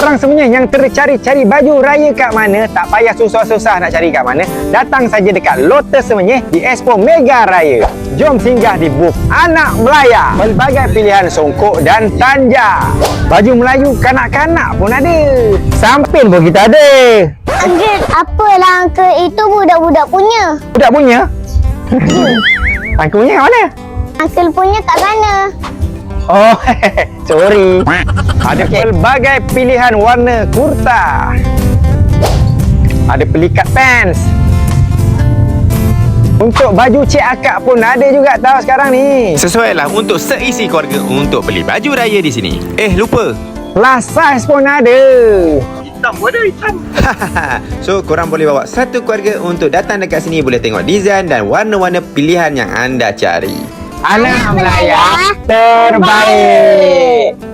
Korang semuanya yang tercari-cari baju raya kat mana, tak payah susah-susah nak cari kat mana, datang saja dekat Lotus Semenyih di Expo Mega Raya. Jom singgah di booth Anak Melaya. Pelbagai pilihan songkok dan tanja. Baju Melayu kanak-kanak pun ada. Samping pun kita ada. Uncle, apalah Uncle? Itu budak-budak punya. Budak punya? Aku punya kat mana? Uncle punya kat sana. Oh, sorry. Ada pelbagai pilihan warna kurta. Ada pelikat pants. Untuk baju Cik Akak pun ada juga tahu sekarang ni. Sesuai lah untuk seisi keluarga untuk beli baju raya di sini. Lupa. Plus size pun ada. Hitam pun ada, hitam. So, korang boleh bawa satu keluarga untuk datang dekat sini. Boleh tengok desain dan warna-warna pilihan yang anda cari. Anak Melaya terbaik.